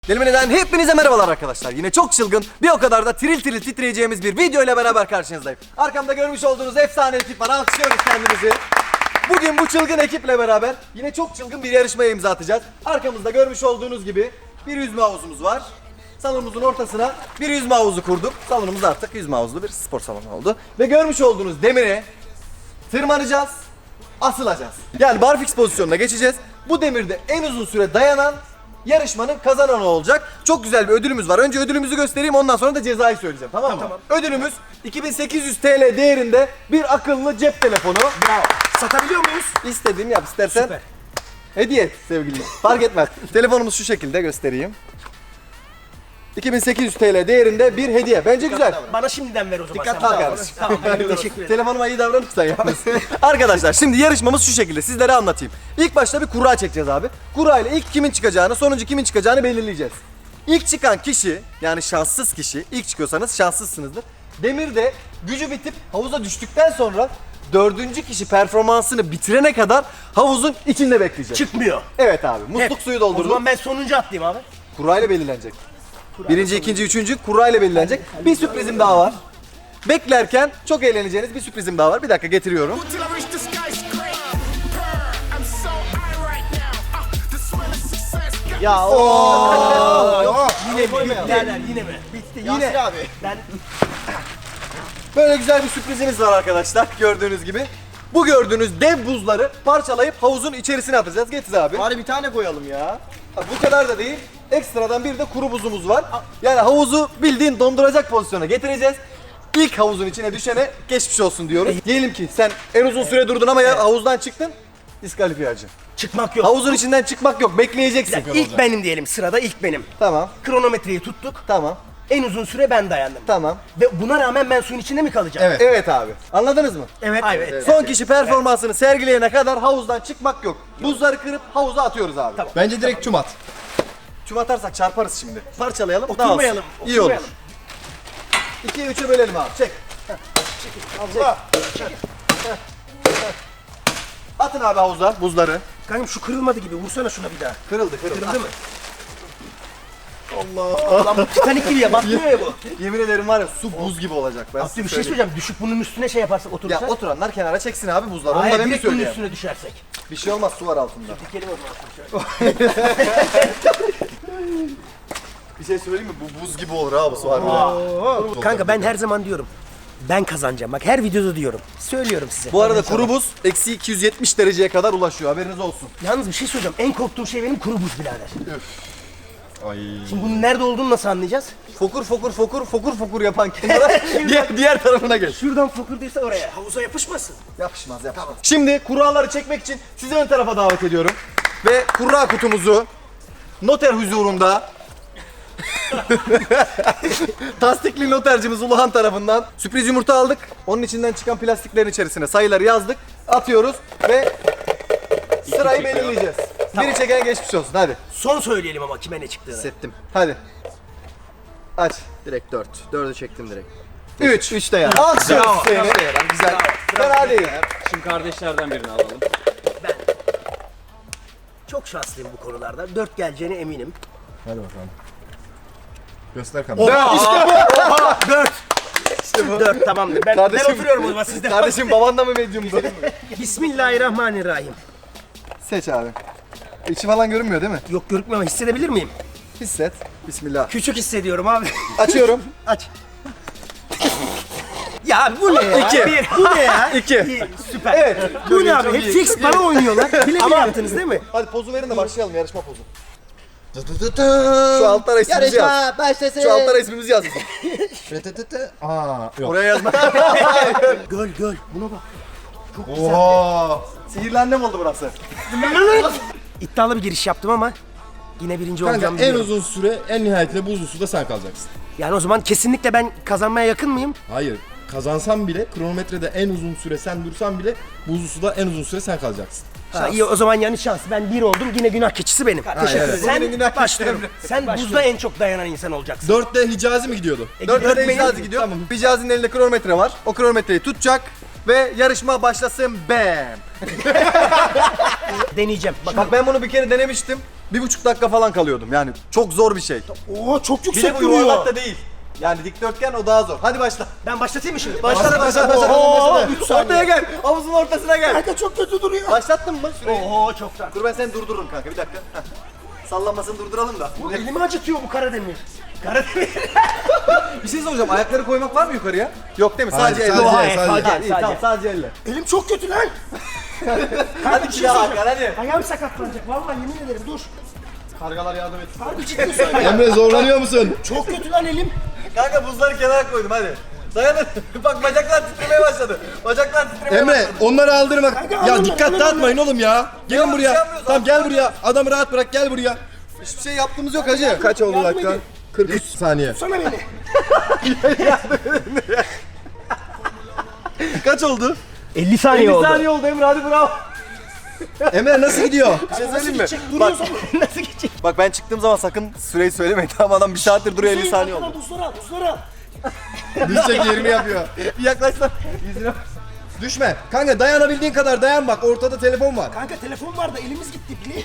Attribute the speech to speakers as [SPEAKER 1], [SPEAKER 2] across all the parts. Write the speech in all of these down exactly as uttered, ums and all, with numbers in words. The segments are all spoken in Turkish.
[SPEAKER 1] Delimine'den hepinize merhabalar arkadaşlar. Yine çok çılgın, bir o kadar da tiril tiril titreyeceğimiz bir video ile beraber karşınızdayım. Arkamda görmüş olduğunuz efsane ekip var. Alkışlıyoruz kendimizi. Bugün bu çılgın ekiple beraber yine çok çılgın bir yarışmaya imza atacağız. Arkamızda görmüş olduğunuz gibi bir yüzme havuzumuz var. Salonumuzun ortasına bir yüzme havuzu kurduk. Salonumuz artık yüzme havuzlu bir spor salonu oldu. Ve görmüş olduğunuz demire tırmanacağız, asılacağız. Yani barfix pozisyonuna geçeceğiz. Bu demirde en uzun süre dayanan yarışmanın kazananı olacak. Çok güzel bir ödülümüz var. Önce ödülümüzü göstereyim, ondan sonra da cezayı söyleyeceğim. Tamam mı?
[SPEAKER 2] Tamam.
[SPEAKER 1] Ödülümüz iki bin sekiz yüz TL değerinde bir akıllı cep telefonu.
[SPEAKER 2] Bravo. Satabiliyor muyuz?
[SPEAKER 1] İstediğini yap, istersen
[SPEAKER 2] Süper.
[SPEAKER 1] hediye et sevgilim. Fark etmez. Telefonumuz şu şekilde, göstereyim. iki bin sekiz yüz TL değerinde bir hediye. Bence güzel.
[SPEAKER 2] Bana şimdiden ver o zaman.
[SPEAKER 1] Dikkat
[SPEAKER 2] sen.
[SPEAKER 1] al kardeşim.
[SPEAKER 2] Tamam, teşekkür ederim.
[SPEAKER 1] Telefonuma iyi davranırsan yalnız. Arkadaşlar şimdi yarışmamız şu şekilde, sizlere anlatayım. İlk başta bir kura çekeceğiz abi. Kura ile ilk kimin çıkacağını, sonuncu kimin çıkacağını belirleyeceğiz. İlk çıkan kişi, yani şanssız kişi, ilk çıkıyorsanız şanssızsınızdır. Demirde gücü bitip havuza düştükten sonra dördüncü kişi performansını bitirene kadar havuzun içinde bekleyecek.
[SPEAKER 2] Çıkmıyor.
[SPEAKER 1] Evet abi, musluk
[SPEAKER 2] Hep.
[SPEAKER 1] suyu
[SPEAKER 2] O
[SPEAKER 1] doldurduk.
[SPEAKER 2] zaman ben sonuncu atlayayım abi.
[SPEAKER 1] Kura ile belirlenecek. Birinci, ikinci, üçüncü kura ile belirlenecek. Bir sürprizim daha var. Beklerken çok eğleneceğiniz bir sürprizim daha var. Bir dakika getiriyorum.
[SPEAKER 3] Till I reach the skyscraper. I'm so high right now. Uh, the smell of success got
[SPEAKER 2] Ya ooo. Yine mi?
[SPEAKER 1] koymayalım.
[SPEAKER 2] Birader yine mi? Bitti yine.
[SPEAKER 1] abi.
[SPEAKER 2] Ben
[SPEAKER 1] Böyle güzel bir sürprizimiz var arkadaşlar, gördüğünüz gibi. Bu gördüğünüz dev buzları parçalayıp havuzun içerisine atacağız. Getir abi.
[SPEAKER 4] Bari bir tane koyalım ya.
[SPEAKER 1] Ha, bu kadar da değil. Ekstradan bir de kuru buzumuz var. Yani havuzu bildiğin donduracak pozisyona getireceğiz. İlk havuzun içine düşene geçmiş olsun diyoruz. Diyelim ki sen en uzun süre durdun ama ya havuzdan çıktın, diskalifiye acı.
[SPEAKER 2] çıkmak yok.
[SPEAKER 1] Havuzun içinden çıkmak yok, bekleyeceksin.
[SPEAKER 2] İlk benim diyelim, sırada ilk benim.
[SPEAKER 1] Tamam,
[SPEAKER 2] Kronometreyi tuttuk.
[SPEAKER 1] tamam,
[SPEAKER 2] En uzun süre ben dayandım.
[SPEAKER 1] tamam.
[SPEAKER 2] Ve buna rağmen ben suyun içinde mi kalacağım?
[SPEAKER 4] Evet.
[SPEAKER 1] Evet abi, anladınız mı?
[SPEAKER 2] Evet. Evet.
[SPEAKER 1] Son kişi performansını sergileyene kadar havuzdan çıkmak yok. Buzları kırıp havuza atıyoruz abi.
[SPEAKER 2] Tamam.
[SPEAKER 4] Bence direkt çum at.
[SPEAKER 1] Çum atarsak çarparız şimdi. Parçalayalım,
[SPEAKER 2] Oturmayalım,
[SPEAKER 1] dağılsın. İyi olur.
[SPEAKER 2] oturmayalım.
[SPEAKER 1] ikiye üçe bölelim abi, çek. Allah. Atın abi havuza buzları.
[SPEAKER 2] Kanka şu kırılmadı gibi, vursana şuna bir daha.
[SPEAKER 1] Kırıldı, kırıldı.
[SPEAKER 2] Kırıldı mı? Allah. Lan bu Titanic gibi ya, batmıyor ya bu.
[SPEAKER 1] Yemin ederim var ya, su buz gibi olacak. Ben
[SPEAKER 2] Abdü
[SPEAKER 1] size
[SPEAKER 2] bir şey
[SPEAKER 1] söyleyeyim.
[SPEAKER 2] söyleyeceğim, düşüp bunun üstüne şey yaparsak
[SPEAKER 1] Ya
[SPEAKER 2] oturursak.
[SPEAKER 1] oturanlar kenara çeksin abi buzları. Onu da
[SPEAKER 2] Hayır,
[SPEAKER 1] ben mi
[SPEAKER 2] direkt bunun
[SPEAKER 1] söyleyeyim?
[SPEAKER 2] üstüne düşersek.
[SPEAKER 1] Bir şey olmaz, su var altında.
[SPEAKER 2] Dikelim o zaman şöyle.
[SPEAKER 1] Bir şey söyleyeyim mi? Bu buz gibi olur ha bu su harbiden.
[SPEAKER 2] Kanka ben her zaman diyorum. Ben kazanacağım. Bak her videoda diyorum. Söylüyorum size.
[SPEAKER 1] Bu arada kuru buz eksi iki yüz yetmiş dereceye kadar ulaşıyor, haberiniz olsun.
[SPEAKER 2] Yalnız bir şey söyleyeceğim. En korktuğum şey benim kuru buz birader.
[SPEAKER 4] Ay.
[SPEAKER 2] Şimdi bunun nerede olduğunu nasıl anlayacağız?
[SPEAKER 1] Fokur fokur fokur fokur fokur yapan kenara diğer, diğer tarafına geç.
[SPEAKER 2] Şuradan fokurdaysa oraya. Havuza yapışmasın.
[SPEAKER 1] Yapışmaz yapışmaz. Şimdi kuralları çekmek için sizi ön tarafa davet ediyorum. Ve kura kutumuzu noter huzurunda tasdikli notercimiz Uluhan tarafından sürpriz yumurta aldık. Onun içinden çıkan plastiklerin içerisine sayıları yazdık. Atıyoruz ve sırayı belirleyeceğiz. Biri çeken geçmiş olsun, hadi.
[SPEAKER 2] Son söyleyelim ama kime ne çıktığını.
[SPEAKER 4] Hissettim.
[SPEAKER 1] Hadi. Aç.
[SPEAKER 4] Direkt dört. Dördü çektim direkt.
[SPEAKER 1] üç.
[SPEAKER 4] Üç de ya.
[SPEAKER 1] Alkışlıyoruz
[SPEAKER 4] Bravo.
[SPEAKER 1] seni. Güzel. Fena değil.
[SPEAKER 5] Şimdi kardeşlerden birini alalım.
[SPEAKER 2] Çok şanslıyım bu konularda. Dört geleceğine eminim.
[SPEAKER 4] Hadi bakalım. Göster kamerayı.
[SPEAKER 2] Dört. İşte bu. Dört tamamdır. Ben,
[SPEAKER 1] Kardeşim-
[SPEAKER 2] ben oturuyorum o zaman sizde.
[SPEAKER 1] Kardeşim baban da mı medyumdu?
[SPEAKER 2] Bismillahirrahmanirrahim.
[SPEAKER 1] Seç abi. İçi falan görünmüyor değil mi?
[SPEAKER 2] Yok görükmüyor ama hissedebilir miyim?
[SPEAKER 1] Hisset. Bismillah.
[SPEAKER 2] Küçük hissediyorum abi.
[SPEAKER 1] Açıyorum.
[SPEAKER 2] Aç. Ya bu ne ya?
[SPEAKER 1] İki.
[SPEAKER 2] Bir. Bu ne ya?
[SPEAKER 1] İki.
[SPEAKER 2] İyi, süper.
[SPEAKER 1] Evet.
[SPEAKER 2] Bu ne abi?
[SPEAKER 1] Çok
[SPEAKER 2] Hep
[SPEAKER 1] iyi,
[SPEAKER 2] fix
[SPEAKER 1] çok iyi.
[SPEAKER 2] bana oynuyorlar. Bile bile yaptınız değil mi?
[SPEAKER 1] Hadi pozu verin de başlayalım, yarışma pozu. Şu altlara ismimizi yaz.
[SPEAKER 4] Yarışma başlasın.
[SPEAKER 1] Şu altlara ismimizi yaz.
[SPEAKER 4] Aa, yok.
[SPEAKER 1] Oraya yazma.
[SPEAKER 2] Göl göl. Buna bak.
[SPEAKER 4] Oo.
[SPEAKER 1] Sihirli annem oldu burası.
[SPEAKER 2] İddialı bir giriş yaptım ama yine birinci olacağım
[SPEAKER 6] Kanka en
[SPEAKER 2] biliyorum.
[SPEAKER 6] uzun süre en nihayetinde buzlu suda sen kalacaksın.
[SPEAKER 2] Yani o zaman kesinlikle ben kazanmaya yakın mıyım?
[SPEAKER 6] Hayır. Kazansan bile kronometrede en uzun süre sen dursan bile buzlu suda en uzun süre sen kalacaksın.
[SPEAKER 2] Ha, iyi o zaman yani şans. Ben bir oldum, yine günah keçisi benim. Teşekkür
[SPEAKER 6] evet.
[SPEAKER 2] ederim.
[SPEAKER 1] Bugünün günah keçisi
[SPEAKER 2] başlıyorum. Sen buzda en çok dayanan insan olacaksın.
[SPEAKER 6] Dörtte Hicazi mi gidiyordu?
[SPEAKER 2] E,
[SPEAKER 1] Dört
[SPEAKER 2] dört
[SPEAKER 1] tane
[SPEAKER 2] benim.
[SPEAKER 1] Hicazi gidiyor. Hicazi'nin elinde kronometre var. O kronometreyi tutacak ve yarışma başlasın. Bam.
[SPEAKER 2] Deneyeceğim. Bak,
[SPEAKER 1] Bak ben bunu bir kere denemiştim. bir buçuk dakika falan kalıyordum. Yani çok zor bir şey.
[SPEAKER 2] Oo çok
[SPEAKER 1] Bir
[SPEAKER 2] yüksek
[SPEAKER 1] de bu
[SPEAKER 2] duruyor.
[SPEAKER 1] yuvarlak da değil. Yani dikdörtgen o daha zor. Hadi başla.
[SPEAKER 2] Ben başlatayım mı şimdi?
[SPEAKER 1] Başla başla
[SPEAKER 2] Oho,
[SPEAKER 1] başla.
[SPEAKER 2] üç saniye.
[SPEAKER 1] Ortaya gel. Havuzun ortasına gel.
[SPEAKER 2] Kanka çok kötü duruyor.
[SPEAKER 1] Başlattın mı süreyi?
[SPEAKER 2] Oho çoktan.
[SPEAKER 1] Dur ben seni durdururum kanka bir dakika. Heh. Sallanmasını durduralım da.
[SPEAKER 2] Bu elimi acıtıyor bu Karademir. Karademir.
[SPEAKER 1] Bir şey soracağım. Ayakları koymak var mı yukarıya? Yok değil mi?
[SPEAKER 4] Hayır,
[SPEAKER 1] Sadece elle.
[SPEAKER 4] sadece,
[SPEAKER 1] Hayır,
[SPEAKER 4] sadece.
[SPEAKER 1] Ha, iyi, tamam sadece elle.
[SPEAKER 2] Elim çok kötü lan.
[SPEAKER 1] Hadi
[SPEAKER 2] bir şey
[SPEAKER 1] bir daha
[SPEAKER 2] soracağım.
[SPEAKER 1] Hakan hadi.
[SPEAKER 2] Ayağım sakatlanacak. Vallahi yemin ederim dur.
[SPEAKER 1] Kargalar yardım et.
[SPEAKER 2] Harbi ciddi söylüyorum.
[SPEAKER 4] Emre zorlanıyor musun?
[SPEAKER 2] Çok kötü lan elim.
[SPEAKER 1] Kanka buzları kenara koydum hadi. Dayanın. Bak bacaklar titremeye başladı. Bacaklar titremeye
[SPEAKER 4] Emre
[SPEAKER 1] başladı.
[SPEAKER 4] onları aldırma.
[SPEAKER 2] Kanka,
[SPEAKER 4] Ya
[SPEAKER 2] alırım,
[SPEAKER 4] dikkat
[SPEAKER 2] alırım.
[SPEAKER 4] dağıtmayın oğlum ya. Gelin
[SPEAKER 1] bir şey
[SPEAKER 4] buraya.
[SPEAKER 1] yapmıyoruz,
[SPEAKER 4] Tamam gel
[SPEAKER 1] alırım.
[SPEAKER 4] buraya. Adamı rahat bırak gel buraya.
[SPEAKER 1] Hiçbir şey yaptığımız yok hacı.
[SPEAKER 4] Kaç oldu
[SPEAKER 2] Yardım
[SPEAKER 4] dakika?
[SPEAKER 2] edin.
[SPEAKER 4] kırk üç saniye.
[SPEAKER 2] Sana beni.
[SPEAKER 1] Kaç oldu?
[SPEAKER 2] elli saniye
[SPEAKER 1] elli
[SPEAKER 2] oldu.
[SPEAKER 1] saniye oldu Emre hadi bravo.
[SPEAKER 4] Emre nasıl gidiyor?
[SPEAKER 1] Bir şey
[SPEAKER 2] Nasıl
[SPEAKER 1] söyleyeyim mi?
[SPEAKER 2] gidecek?
[SPEAKER 1] Bak,
[SPEAKER 2] Duruyorsun. Nasıl gidecek?
[SPEAKER 1] bak ben çıktığım zaman sakın süreyi söylemeyin. Tamam adam bir saattir duruyor elli
[SPEAKER 2] Hüseyin,
[SPEAKER 1] saniye
[SPEAKER 2] arkadan
[SPEAKER 1] oldu.
[SPEAKER 2] Buzları al, buzları al.
[SPEAKER 4] Düşecek yerini yapıyor.
[SPEAKER 1] Bir yaklaş lan. Yüzüne.
[SPEAKER 4] Düşme. Kanka dayanabildiğin kadar dayan bak. Ortada telefon var.
[SPEAKER 2] Kanka telefon var da elimiz gitti bile.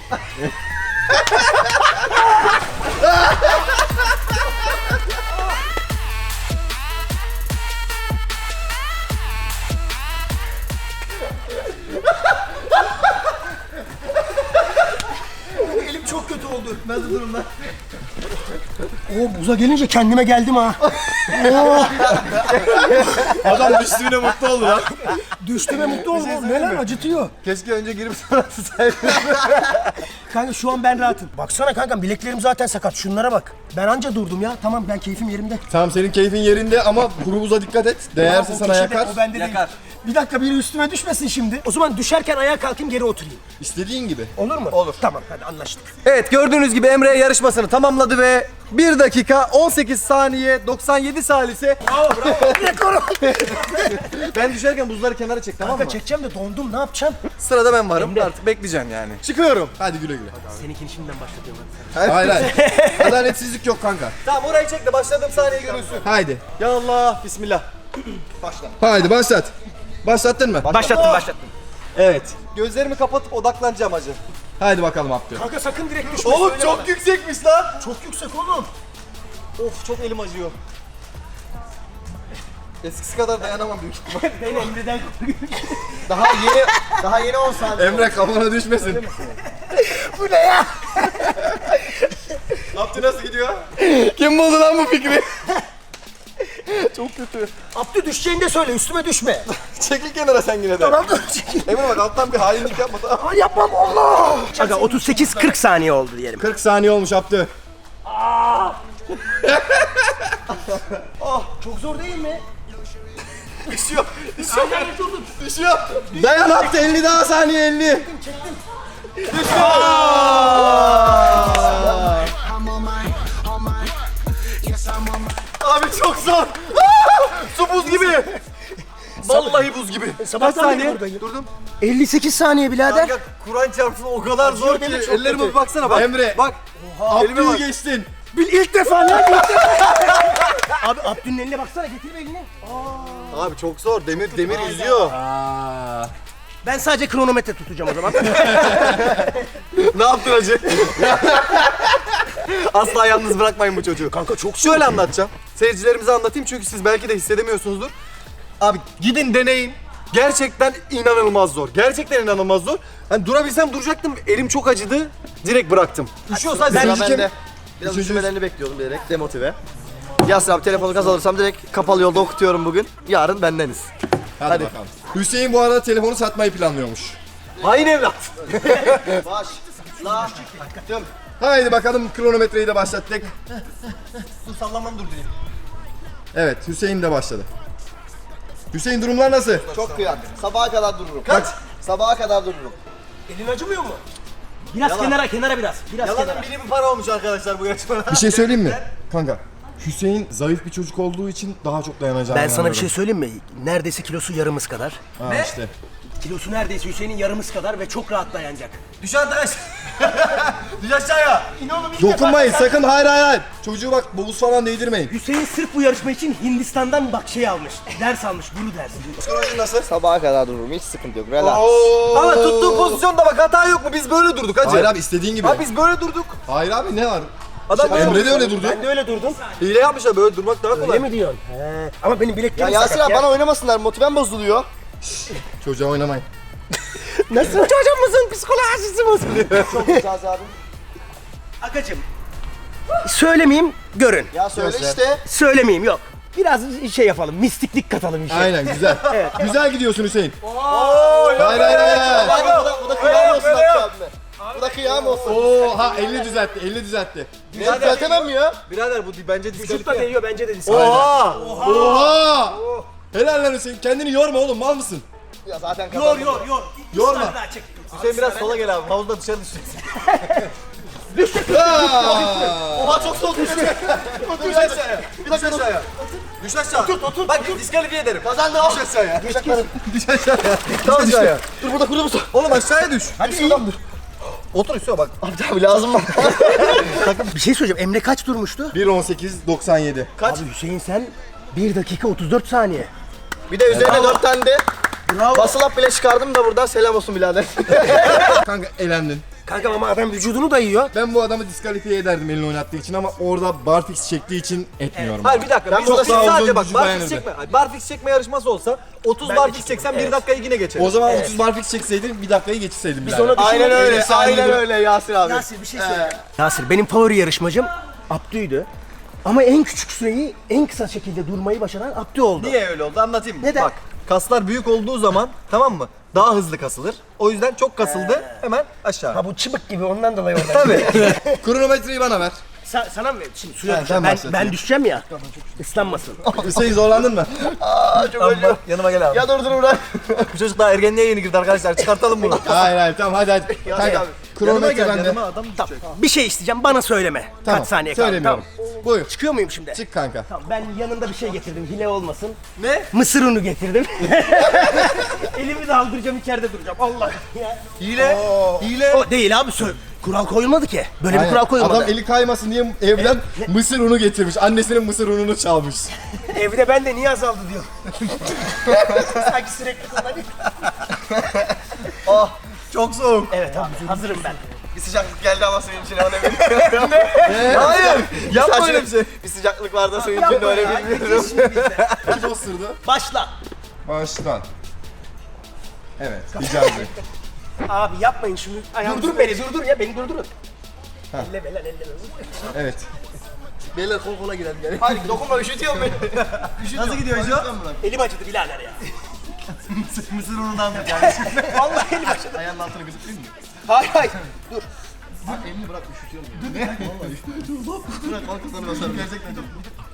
[SPEAKER 2] Elim çok kötü oldu.
[SPEAKER 1] Nasıl durumlar?
[SPEAKER 2] Oo buza gelince kendime geldim ha.
[SPEAKER 4] Adam düştüğüne mutlu oldu lan.
[SPEAKER 2] Düştüğüme mutlu oldum. Neler acıtıyor.
[SPEAKER 1] Keşke önce girip sonra tutsaydın.
[SPEAKER 2] Kanka şu an ben rahatım. Baksana kanka bileklerim zaten sakat. Şunlara bak. Ben anca durdum ya. Tamam ben keyfim yerimde.
[SPEAKER 4] Tamam senin keyfin yerinde ama kuru buza dikkat et. Değerse
[SPEAKER 2] O
[SPEAKER 4] sana
[SPEAKER 2] kişi de-
[SPEAKER 4] yakar.
[SPEAKER 2] O bende
[SPEAKER 1] Yakar.
[SPEAKER 2] değil. Bir dakika biri üstüme düşmesin şimdi. O zaman düşerken ayağa kalkayım geri oturayım.
[SPEAKER 4] İstediğin gibi.
[SPEAKER 2] Olur mu?
[SPEAKER 1] Olur.
[SPEAKER 2] Tamam hadi anlaştık.
[SPEAKER 1] Evet gördüğünüz gibi Emre yarışmasını tamamladı ve bir dakika on sekiz saniye doksan yedi salise.
[SPEAKER 2] Rekorum.
[SPEAKER 1] Ben düşerken buzları kenara çek tamam mı?
[SPEAKER 2] Kanka çekeceğim de dondum ne yapacağım?
[SPEAKER 1] Sırada ben varım artık bekleyeceğim yani. Çıkıyorum.
[SPEAKER 4] Hadi güle güle.
[SPEAKER 2] Seninkini şimdiden başlatıyorum.
[SPEAKER 4] Hayır hayır. Adaletsizlik yok kanka.
[SPEAKER 1] Tamam orayı çek de başladığım saniye görülsün.
[SPEAKER 4] Haydi.
[SPEAKER 1] Ya Allah bismillah.
[SPEAKER 4] Haydi başlat. Başlattın mı?
[SPEAKER 2] Başlattım başlattım.
[SPEAKER 1] Evet. Gözlerimi kapatıp odaklanacağım hacı.
[SPEAKER 4] Haydi bakalım Abdü.
[SPEAKER 2] Kanka sakın direkt düşme.
[SPEAKER 1] Oğlum
[SPEAKER 2] söyle
[SPEAKER 1] çok
[SPEAKER 2] bana.
[SPEAKER 1] yüksekmiş lan.
[SPEAKER 2] Çok yüksek oğlum.
[SPEAKER 1] Of çok elim acıyor. Eskisi kadar dayanamam büyük ihtimal.
[SPEAKER 2] Ben Emre'den korkuyorum.
[SPEAKER 1] Daha yeni daha yeni on saniye.
[SPEAKER 4] Emre kafana düşmesin.
[SPEAKER 2] Bu ne ya?
[SPEAKER 1] Abdü nasıl gidiyor? Kim buldu lan bu fikri? Çok kötü.
[SPEAKER 2] Abdü düşeceğini de söyle üstüme düşme.
[SPEAKER 1] Çekil kenara sen yine de.
[SPEAKER 2] Tamam dur çekil.
[SPEAKER 1] Emre bak alttan bir hainlik yapma tamam.
[SPEAKER 2] Aa, yapmam Allah. Kanka otuz sekiz kırk saniye oldu diyelim.
[SPEAKER 4] kırk saniye olmuş Abdü.
[SPEAKER 2] Çok zor değil mi?
[SPEAKER 1] Düşüyor. Düşüyor. Düşüyor.
[SPEAKER 4] Dayan Abdü elli daha saniye elli.
[SPEAKER 3] I'm on my, on my. Yes, I'm on my.
[SPEAKER 1] Abi çok zor. Su buz gibi. Vallahi buz gibi. Kaç
[SPEAKER 2] sabahtan beri
[SPEAKER 1] saniye?
[SPEAKER 2] buradayım.
[SPEAKER 1] Durdum.
[SPEAKER 2] elli sekiz saniye birader.
[SPEAKER 1] Kanka Kur'an çarpsın o kadar zor ki.
[SPEAKER 2] değil mi? Çok
[SPEAKER 1] Ellerime
[SPEAKER 2] kötü.
[SPEAKER 1] bir baksana bak.
[SPEAKER 4] Emre.
[SPEAKER 1] Bak. Elime
[SPEAKER 4] Abdü'yü
[SPEAKER 1] bak.
[SPEAKER 4] geçtin.
[SPEAKER 2] Bil ilk defa lan ilk defa. Abi Abdü'nün eline baksana getir elini.
[SPEAKER 1] Abi çok zor. Demir demir yüzüyor.
[SPEAKER 4] Aa.
[SPEAKER 2] Ben sadece kronometre tutacağım o zaman.
[SPEAKER 1] Ne yaptın hacı? Asla yalnız bırakmayın bu çocuğu.
[SPEAKER 2] Kanka çok
[SPEAKER 1] Şöyle anlatacağım. Seyircilerimize anlatayım çünkü siz belki de hissedemiyorsunuzdur. Abi gidin deneyin. Gerçekten inanılmaz zor. Gerçekten inanılmaz zor. Hani durabilsem duracaktım. Elim çok acıdı. Direkt bıraktım. Üşüyorsa hadi.
[SPEAKER 4] İkinci
[SPEAKER 1] Sıra
[SPEAKER 4] kim?
[SPEAKER 1] bende. Biraz
[SPEAKER 4] Üçüncü-
[SPEAKER 1] üşümelerini bekliyordum direkt demotive. Yasir abi telefonu gaz alırsam direkt kapalı yolda okutuyorum bugün. Yarın bendeniz.
[SPEAKER 4] Hadi,
[SPEAKER 1] Hadi.
[SPEAKER 4] bakalım. Hüseyin bu arada telefonu satmayı planlıyormuş.
[SPEAKER 1] Hain evlat. Baş. La.
[SPEAKER 4] Haydi bakalım kronometreyi de başlattık.
[SPEAKER 1] Dur sallamam dur diyeyim.
[SPEAKER 4] Evet Hüseyin de başladı. Hüseyin durumlar nasıl?
[SPEAKER 7] Çok kıyak. Sabaha kadar dururum.
[SPEAKER 1] Kaç?
[SPEAKER 7] Sabaha kadar dururum.
[SPEAKER 2] Elin acımıyor mu? Biraz kenara kenara biraz. Biraz
[SPEAKER 1] Yalanın
[SPEAKER 2] kenara.
[SPEAKER 1] biri bir para olmuş arkadaşlar bu yarışmada.
[SPEAKER 4] Bir şey söyleyeyim mi? Kanka Hüseyin zayıf bir çocuk olduğu için daha çok dayanacağını
[SPEAKER 2] Ben sana bir şey
[SPEAKER 4] inanıyorum.
[SPEAKER 2] söyleyeyim mi? Neredeyse kilosu yarımız kadar.
[SPEAKER 4] Ha işte.
[SPEAKER 2] Kilosu neredeyse Hüseyin'in yarımız kadar ve çok rahat dayanacak.
[SPEAKER 1] Düş arkadaş. Düş aşağıya.
[SPEAKER 6] Dokunmayın sakın, hayır hayır hayır. Çocuğu bak bavuz falan değdirmeyin.
[SPEAKER 2] Hüseyin sırf bu yarışma için Hindistan'dan bak şey almış. Ders almış, bunu ders.
[SPEAKER 1] Psikolojin nasıl?
[SPEAKER 7] Sabaha kadar dururum. Hiç sıkıntı yok. Relax.
[SPEAKER 1] Ama tuttuğun pozisyonda bak hata yok mu? Biz böyle durduk hacı.
[SPEAKER 6] Hayır abi istediğin gibi.
[SPEAKER 1] Abi biz böyle durduk.
[SPEAKER 6] Hayır abi ne var?
[SPEAKER 1] Adam böyle
[SPEAKER 6] Emre de öyle durdu.
[SPEAKER 2] Ben de öyle durdum.
[SPEAKER 1] hile yapmışlar, böyle durmak daha kolay.
[SPEAKER 2] Öyle mi diyorsun? He. Ama benim
[SPEAKER 7] Ya
[SPEAKER 2] bileklerim
[SPEAKER 7] Yasir
[SPEAKER 2] sakat
[SPEAKER 7] abi
[SPEAKER 2] ya.
[SPEAKER 7] bana oynamasınlar. Motivem bozuluyor.
[SPEAKER 6] Çocuğa oynamayın.
[SPEAKER 2] Nasıl? Çocuğumuzun psikolojisi bozuluyor.
[SPEAKER 7] Çok güzel abi.
[SPEAKER 2] Akacım. Söylemeyeyim, görün.
[SPEAKER 7] Ya söyle
[SPEAKER 6] Göster.
[SPEAKER 7] işte.
[SPEAKER 2] Söylemeyeyim, yok. Biraz şey yapalım, mistiklik katalım işe.
[SPEAKER 6] Aynen güzel. Güzel gidiyorsun Hüseyin. hayır hayır hayır.
[SPEAKER 7] Bak, bu da, bu da kıyam olsun Hakkı abime. Bu da kıyam olsun.
[SPEAKER 6] Oha elli düzeltti, elli düzeltti.
[SPEAKER 7] Ne düzeltemem mi ya?
[SPEAKER 1] Birader bu di- bence
[SPEAKER 2] Vücut da
[SPEAKER 1] diskalifiye.
[SPEAKER 2] değiyor bence de.
[SPEAKER 1] Oha!
[SPEAKER 6] Oha! Helal lan Hüseyin. Kendini yorma oğlum, mal mısın?
[SPEAKER 7] Ya zaten
[SPEAKER 2] Yor
[SPEAKER 7] kazandım.
[SPEAKER 2] yor yor.
[SPEAKER 6] Yorma.
[SPEAKER 2] Üç tane daha çek.
[SPEAKER 1] Hüseyin biraz sola gel abi. Havuzda dışarı düşeceksin.
[SPEAKER 7] Oha çok soğuk.
[SPEAKER 1] Düş aşağıya. Bir dakika aşağıya. Düş aşağı. Otur otur. Bak diskalifiye ederim.
[SPEAKER 7] Kazandım.
[SPEAKER 1] Düş aşağıya.
[SPEAKER 7] Düş aşağıya.
[SPEAKER 1] Düş aşağıya. Tam aşağıya.
[SPEAKER 7] Dur burada kuruyor musun?
[SPEAKER 1] Oğlum aşağıya düş.
[SPEAKER 7] Hadi iyi.
[SPEAKER 1] Otur üstüne bak.
[SPEAKER 7] Abi abi lazım bana.
[SPEAKER 2] Bir şey söyleyeceğim. Emre kaç durmuştu?
[SPEAKER 6] bir on sekiz doksan yedi.
[SPEAKER 2] Abi Hüseyin sen bir dakika otuz dört saniye.
[SPEAKER 7] Bir de üzerine dört tane de basıl up bile çıkardım da buradan selam olsun birader.
[SPEAKER 6] Kanka elendin.
[SPEAKER 2] Kanka ama adam vücudunu dayıyor.
[SPEAKER 6] Ben bu adamı diskalifiye ederdim elini oynattığı için ama orada barfix çektiği için etmiyorum.
[SPEAKER 1] Hayır bir dakika.
[SPEAKER 7] Ben
[SPEAKER 1] Ben
[SPEAKER 7] burada
[SPEAKER 1] burada
[SPEAKER 6] daha
[SPEAKER 1] sadece
[SPEAKER 6] uzun
[SPEAKER 1] bak
[SPEAKER 6] gücü
[SPEAKER 1] barfix
[SPEAKER 6] dayanırdı.
[SPEAKER 1] çekme. Hayır, barfix çekme yarışması olsa otuz
[SPEAKER 2] Ben de
[SPEAKER 1] barfix
[SPEAKER 2] çekeyim,
[SPEAKER 1] çeksen bir
[SPEAKER 2] evet.
[SPEAKER 1] dakikayı yine geçerim.
[SPEAKER 6] O zaman otuz barfix çekseydin bir dakikayı geçirseydin birader.
[SPEAKER 2] ona-
[SPEAKER 7] Aynen öyle.
[SPEAKER 6] Neyse,
[SPEAKER 7] Aynen
[SPEAKER 6] aynı.
[SPEAKER 7] öyle Yasir abi.
[SPEAKER 2] Yasir bir şey söyle. Yasir benim favori yarışmacım Abdü'ydü. Ama en küçük süreyi en kısa şekilde durmayı başaran Abdü oldu.
[SPEAKER 1] Niye öyle oldu anlatayım mı?
[SPEAKER 2] Neden?
[SPEAKER 1] Bak kaslar büyük olduğu zaman tamam mı? Daha hızlı kasılır. O yüzden çok kasıldı hemen aşağı.
[SPEAKER 2] Ha bu çıbık gibi ondan dolayı orada.
[SPEAKER 1] Tabii.
[SPEAKER 6] Kronometreyi bana ver.
[SPEAKER 2] Sa- sana mı? Şimdi suya
[SPEAKER 6] Ha,
[SPEAKER 2] düşeceğim.
[SPEAKER 6] sen
[SPEAKER 2] Ben,
[SPEAKER 6] başlat.
[SPEAKER 2] ben düşeceğim ya. Islanmasın.
[SPEAKER 6] Hüseyin zorlandın mı?
[SPEAKER 7] Aa çok acıyor.
[SPEAKER 1] Yanıma gel abi.
[SPEAKER 7] Ya dur dur bırak.
[SPEAKER 1] Bu çocuk daha ergenliğe yeni girdi arkadaşlar. Çıkartalım bunu.
[SPEAKER 6] hayır hayır tamam hadi hadi.
[SPEAKER 7] Ya
[SPEAKER 6] Kanka,
[SPEAKER 7] abi,
[SPEAKER 1] Yanıma
[SPEAKER 6] kronometre
[SPEAKER 1] gel
[SPEAKER 6] bende.
[SPEAKER 1] yanıma adam düşecek.
[SPEAKER 2] Bir şey isteyeceğim bana söyleme.
[SPEAKER 6] Tamam,
[SPEAKER 2] Kaç saniye kaldı?
[SPEAKER 6] söylemiyorum.
[SPEAKER 2] Tamam.
[SPEAKER 6] Buyur.
[SPEAKER 2] Çıkıyor muyum şimdi?
[SPEAKER 6] Çık kanka.
[SPEAKER 2] Tamam ben yanında bir şey getirdim. Hile olmasın.
[SPEAKER 1] Ne?
[SPEAKER 2] Mısır unu getirdim. Elimi de aldıracağım içeride duracağım. Allah ya.
[SPEAKER 1] Hile. Hile.
[SPEAKER 2] O değil abi söyle. Kural koyulmadı ki. Böyle bir
[SPEAKER 6] Aynen.
[SPEAKER 2] kural koyulmadı.
[SPEAKER 6] Adam eli kaymasın diye evden mısır unu getirmiş. Annesinin mısır ununu çalmış.
[SPEAKER 2] Evde ben de niye azaldı diyor. Sanki sürekli kullanıyor.
[SPEAKER 1] Çok soğuk.
[SPEAKER 2] Evet abi hazırım ben.
[SPEAKER 7] Bir sıcaklık geldi ama suyun içine öyle bilmiyorum.
[SPEAKER 1] Hayır. Yapma
[SPEAKER 7] Sadece
[SPEAKER 1] öyle bir şey.
[SPEAKER 7] Bir sıcaklık vardı suyun
[SPEAKER 2] Yapma
[SPEAKER 7] içinde öyle
[SPEAKER 2] ya,
[SPEAKER 7] bilmiyorum.
[SPEAKER 2] git şimdi bizde.
[SPEAKER 6] Kim osurdu?
[SPEAKER 2] Başla.
[SPEAKER 6] Baştan. Evet, Hicazi.
[SPEAKER 2] Abi yapmayın şunu. Durdur beni durdur ya beni durdurun. Elleme lan elleme.
[SPEAKER 6] Evet.
[SPEAKER 1] Beyler kol kola gidelim gel.
[SPEAKER 7] Hayır dokunma üşütüyorum beni.
[SPEAKER 1] Nasıl gidiyor Hüco?
[SPEAKER 2] Elim acıdı birader ya.
[SPEAKER 1] Mısır unundan tut yani.
[SPEAKER 2] Vallahi elim acıdı.
[SPEAKER 1] Ayağının altını gözükmüyor mu?
[SPEAKER 2] Hayır hayır. Dur.
[SPEAKER 1] Elini bırak üşütüyorum. Ne? Vallahi üşütüyorum. Bırak arkasını basarım. Gerçekten çok.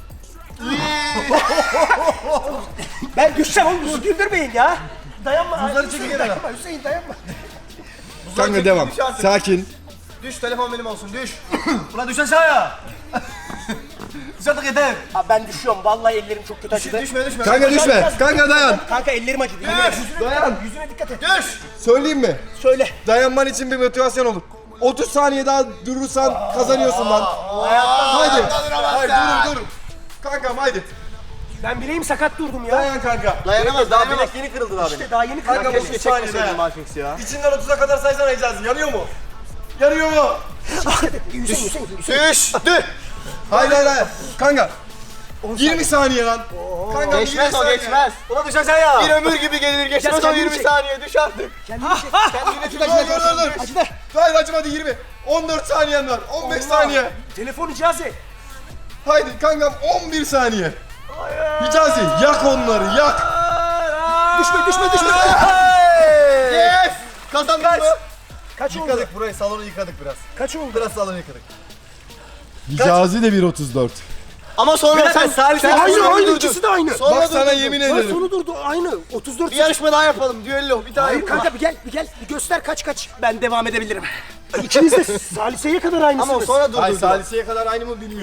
[SPEAKER 2] Ben düşeceğim oğlum bizi güldürmeyin ya. Dayanma.
[SPEAKER 1] Buzları
[SPEAKER 2] Hüseyin,
[SPEAKER 1] çekin kenara.
[SPEAKER 2] dayanma Hüseyin dayanma.
[SPEAKER 6] Kanka devam. Sakin.
[SPEAKER 7] Düş telefon benim olsun düş.
[SPEAKER 1] Ulan düş aşağıya. Düş artık yeter.
[SPEAKER 2] Abi ben düşüyorum vallahi ellerim çok kötü acıdı.
[SPEAKER 7] Düşme düşme.
[SPEAKER 6] Kanka düşme. Kanka dayan.
[SPEAKER 2] Kanka ellerim acıdı. Yüzüne,
[SPEAKER 6] Dayan.
[SPEAKER 2] yüzüne dikkat et.
[SPEAKER 7] Düş.
[SPEAKER 6] Söyleyeyim mi?
[SPEAKER 2] Söyle.
[SPEAKER 6] Dayanman için bir motivasyon olur. otuz saniye daha durursan kazanıyorsun lan. Haydi. Haydi dur dur. Kankam haydi.
[SPEAKER 2] Ben bileğim sakat durdum ya.
[SPEAKER 6] Dayan kanka.
[SPEAKER 7] Dayanamaz
[SPEAKER 1] Daha
[SPEAKER 7] dayanamaz.
[SPEAKER 1] bilek yeni kırıldı daha benim.
[SPEAKER 2] İşte daha yeni
[SPEAKER 1] Kanka
[SPEAKER 2] kırar.
[SPEAKER 1] bu
[SPEAKER 7] Keşke
[SPEAKER 1] otuz saniye
[SPEAKER 7] çekmeseydim
[SPEAKER 1] daha.
[SPEAKER 7] Malfix ya.
[SPEAKER 1] İçinden otuza kadar saysana Hicazi. Yanıyor mu? Yanıyor mu?
[SPEAKER 2] Hüseyin Hüseyin Hüseyin.
[SPEAKER 7] Düş. Düş.
[SPEAKER 6] Hayır hayır hayır. Kanka. yirmi saniye lan. Kanka
[SPEAKER 7] Geçmez o
[SPEAKER 6] saniye.
[SPEAKER 7] geçmez.
[SPEAKER 1] Ulan düş aşağıya.
[SPEAKER 7] Bir ömür gibi gelir geçmez o
[SPEAKER 2] kendini
[SPEAKER 7] yirmi
[SPEAKER 2] çek.
[SPEAKER 7] saniye düş artık.
[SPEAKER 2] Kendini çek.
[SPEAKER 7] Kendine
[SPEAKER 6] Dur dur dur dur.
[SPEAKER 2] Acıdı.
[SPEAKER 6] Hayır acımadı yirmi. on dört saniyen var. on beş saniye.
[SPEAKER 2] Telefon icazı.
[SPEAKER 6] Haydi kankam on bir saniye. Hicazi yak onları yak.
[SPEAKER 2] Düşme düşme düşme.
[SPEAKER 7] Yes. Kazandın mı?
[SPEAKER 2] Kaç oldu?
[SPEAKER 1] Yıkadık burayı, salonu yıkadık biraz.
[SPEAKER 2] Kaç oldu?
[SPEAKER 1] Biraz salonu yıkadık.
[SPEAKER 6] Hicazi de bir otuz dört.
[SPEAKER 7] Ama sonra
[SPEAKER 1] Bir
[SPEAKER 7] sen
[SPEAKER 1] dakika, Salih
[SPEAKER 7] sen
[SPEAKER 1] sen-
[SPEAKER 2] Aynı
[SPEAKER 7] sonra
[SPEAKER 2] aynı
[SPEAKER 7] durdun.
[SPEAKER 2] ikisi de aynı.
[SPEAKER 7] Sonra
[SPEAKER 6] Bak sana
[SPEAKER 7] durdun.
[SPEAKER 6] yemin
[SPEAKER 2] Lan
[SPEAKER 6] ederim.
[SPEAKER 2] sonu durdu aynı. otuz dört.
[SPEAKER 7] Bir yarışma daha yapalım. Düello bir daha
[SPEAKER 2] Hayır
[SPEAKER 7] yapalım.
[SPEAKER 2] kanka bir gel bir gel bir göster kaç kaç. Ben devam edebilir. İkiniz de Salise'ye kadar aynısınız.
[SPEAKER 7] Ama sonra
[SPEAKER 6] Hayır
[SPEAKER 7] durdun.
[SPEAKER 6] saliseye kadar aynı mı bilmiyorum.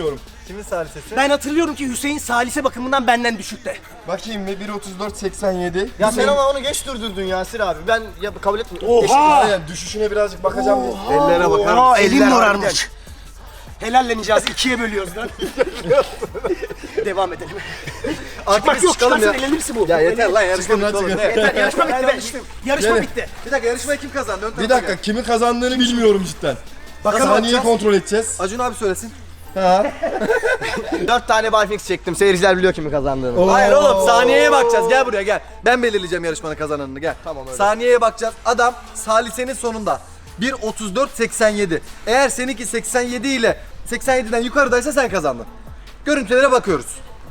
[SPEAKER 1] Kimin salisesi?
[SPEAKER 2] Ben hatırlıyorum ki Hüseyin salise bakımından benden düşükte.
[SPEAKER 4] Bakayım bir bir otuz dört seksen yedi.
[SPEAKER 7] Ya sen ama onu geç durdurdun Yasir abi. Ben ya kabul etmiyorum.
[SPEAKER 2] Oha!
[SPEAKER 4] Aynen düşüşüne birazcık bakacağım. bir.
[SPEAKER 1] Ellere bakar
[SPEAKER 2] Aa,
[SPEAKER 1] mısın?
[SPEAKER 2] elim morarmış. Helalleneceğiz, ikiye bölüyoruz lan. Devam edelim.
[SPEAKER 1] Artık
[SPEAKER 2] Çıkmak
[SPEAKER 1] biz
[SPEAKER 2] yok,
[SPEAKER 1] çıkalım
[SPEAKER 2] çıkarsan
[SPEAKER 1] ya.
[SPEAKER 2] elenirsin bu.
[SPEAKER 1] Ya yeter lan yarışma
[SPEAKER 4] Çıkın lan,
[SPEAKER 1] bitti oğlum.
[SPEAKER 4] çıkın.
[SPEAKER 1] Ne?
[SPEAKER 2] Yeter, yarışma bitti. Ben
[SPEAKER 1] düştüm.
[SPEAKER 2] Yarışma
[SPEAKER 4] Gelin.
[SPEAKER 2] bitti.
[SPEAKER 1] Bir dakika yarışmayı kim kazandı? Ön
[SPEAKER 4] Bir
[SPEAKER 1] tarafa
[SPEAKER 4] dakika
[SPEAKER 1] gel.
[SPEAKER 4] kimin kazandığını bilmiyorum cidden.
[SPEAKER 1] Bakalım
[SPEAKER 4] Saniyeyi
[SPEAKER 1] bakacağız.
[SPEAKER 4] kontrol edeceğiz.
[SPEAKER 1] Acun abi söylesin.
[SPEAKER 4] Ha.
[SPEAKER 7] Dört tane barfix çektim. Seyirciler biliyor kimin kazandığını.
[SPEAKER 1] Hayır oğlum saniyeye bakacağız. Gel buraya gel. Ben belirleyeceğim yarışmanın kazananını gel.
[SPEAKER 7] Tamam, öyle.
[SPEAKER 1] Saniyeye bakacağız. Adam salisenin sonunda bir otuz dört seksen yedi. Eğer seninki seksen yedi ile seksen yediden yukarıdaysa sen kazandın. Görüntülere bakıyoruz.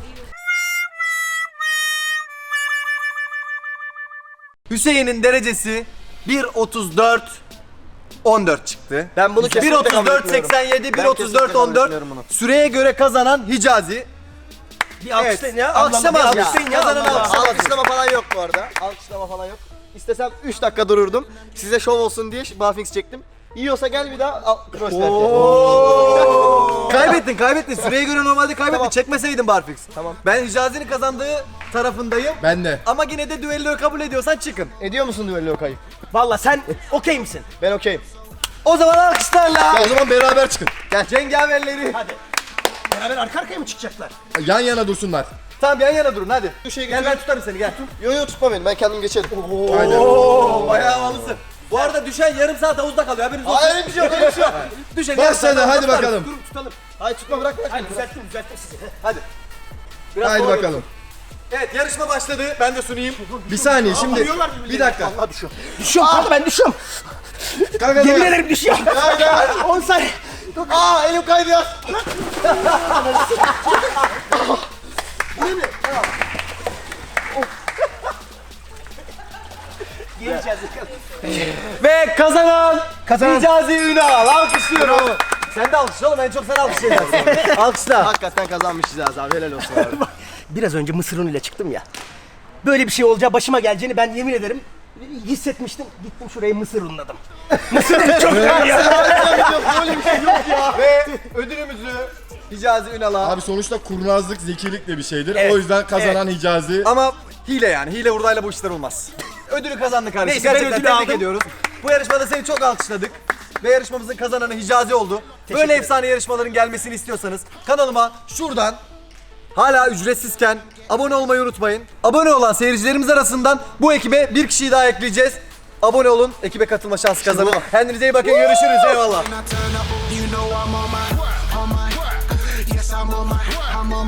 [SPEAKER 1] Hüseyin'in derecesi bir otuz dört on dört çıktı.
[SPEAKER 7] Ben bunu
[SPEAKER 1] bir
[SPEAKER 7] kesinlikle
[SPEAKER 1] otuz
[SPEAKER 7] kabul
[SPEAKER 1] dört
[SPEAKER 7] etmiyorum.
[SPEAKER 1] seksen yedi, bir
[SPEAKER 7] Ben
[SPEAKER 1] otuz dört
[SPEAKER 7] kesinlikle
[SPEAKER 1] on
[SPEAKER 7] kabul
[SPEAKER 1] dört.
[SPEAKER 7] etmiyorum bunu.
[SPEAKER 1] Süreye göre kazanan Hicazi.
[SPEAKER 2] Bir alkışlayın ya.
[SPEAKER 1] Alkışlama
[SPEAKER 2] Allah
[SPEAKER 1] abi.
[SPEAKER 2] Allah. Alkışlayın ya.
[SPEAKER 1] Kazanan
[SPEAKER 2] Allah Allah.
[SPEAKER 1] alkışlama.
[SPEAKER 7] Alkışlama falan yok bu arada. Alkışlama falan yok. İstesem üç dakika dururdum. Size şov olsun diye barfix çektim. Yiyorsa gel bir daha al. Cross
[SPEAKER 1] Kaybettin kaybettin. Süreye göre normalde kaybettin.
[SPEAKER 7] Tamam.
[SPEAKER 1] Çekmeseydin barfix.
[SPEAKER 7] Tamam.
[SPEAKER 1] Ben Hicazi'nin kazandığı tarafındayım.
[SPEAKER 4] Ben de.
[SPEAKER 1] Ama yine de düelloyu kabul ediyorsan çıkın.
[SPEAKER 7] Ediyor musun düello kayıp?
[SPEAKER 2] Valla sen okey misin?
[SPEAKER 7] Ben okeyim.
[SPEAKER 1] O zaman alkışlarla.
[SPEAKER 4] O zaman beraber çıkın.
[SPEAKER 1] Cengaverleri.
[SPEAKER 2] Hadi. Beraber arka arkaya mı çıkacaklar?
[SPEAKER 4] Yan yana dursunlar.
[SPEAKER 1] Tamam yan yana durun hadi.
[SPEAKER 7] Düşe
[SPEAKER 1] Gel ben tutarım seni gel.
[SPEAKER 7] Yo yo tutma beni. Ben kendim geçerim.
[SPEAKER 4] Aynen.
[SPEAKER 1] Oo bayağı havalısın. Bu arada düşen yarım saat havuzda kalıyor haberiniz olsun.
[SPEAKER 7] Hayır öyle bir şey yok. Öyle bir şey yok.
[SPEAKER 1] Düşen yarım saat
[SPEAKER 4] Başladı
[SPEAKER 1] havuzda
[SPEAKER 4] hadi
[SPEAKER 1] kalıyor.
[SPEAKER 4] bakalım.
[SPEAKER 1] Durun tutalım.
[SPEAKER 7] Hayır tutma bırak bırak.
[SPEAKER 2] Hadi düzelttim düzelttim sizi.
[SPEAKER 1] Hadi. Biraz
[SPEAKER 4] Haydi
[SPEAKER 1] sonra
[SPEAKER 4] bakalım.
[SPEAKER 1] görüşürüz. Evet yarışma başladı. Ben de sunayım.
[SPEAKER 4] Bir saniye şimdi.
[SPEAKER 2] Vuruyorlar birbirlerine.
[SPEAKER 4] Bir dakika.
[SPEAKER 2] Allah düşüyorum. Düşüyorum kanka ben düşüyorum.
[SPEAKER 4] Kanka
[SPEAKER 2] Yemin
[SPEAKER 4] dur.
[SPEAKER 2] ederim düşüyorum. on saniye.
[SPEAKER 7] Aa elim kaydı ya.
[SPEAKER 2] Geleceğiz.
[SPEAKER 1] Ve kazanan
[SPEAKER 2] Kazanan.
[SPEAKER 1] Hicazi Ünal. Alkışlıyorum. Sen de alkışla oğlum en çok sen alkışlayacaksın. Alkışla.
[SPEAKER 7] Hakikaten kazanmışız abi. Helal olsun abi.
[SPEAKER 2] Biraz önce mısır unuyla çıktım ya. Böyle bir şey olacağı başıma geleceğini ben yemin ederim hissetmiştim. Gittim şuraya mısır unladım. Mısır unu çok güzel ya.
[SPEAKER 7] Böyle bir şey yok ya.
[SPEAKER 1] Ve ödülümüzü Hicazi Ünal'a.
[SPEAKER 4] Abi sonuçta kurnazlık zekilik de bir şeydir.
[SPEAKER 2] Evet,
[SPEAKER 4] O yüzden kazanan Hicazi.
[SPEAKER 1] Ama hile yani. Hile hurdayla bu işler olmaz. Ödülü kazandı kardeşim.
[SPEAKER 2] Neyse, ben
[SPEAKER 1] Gerçekten
[SPEAKER 2] ödülü
[SPEAKER 1] tebrik
[SPEAKER 2] aldım.
[SPEAKER 1] ediyoruz. Bu yarışmada seni çok alkışladık. Ve yarışmamızın kazananı Hicazi oldu. Böyle
[SPEAKER 2] ederim.
[SPEAKER 1] efsane yarışmaların gelmesini istiyorsanız kanalıma şuradan hala ücretsizken abone olmayı unutmayın. Abone olan seyircilerimiz arasından bu ekibe bir kişiyi daha ekleyeceğiz. Abone olun, ekibe katılma şansı kazanın. Kendinize iyi bakın, görüşürüz. Eyvallah.
[SPEAKER 3] When I turn up, you know I'm on my, on my. Yes, I'm on my, I'm on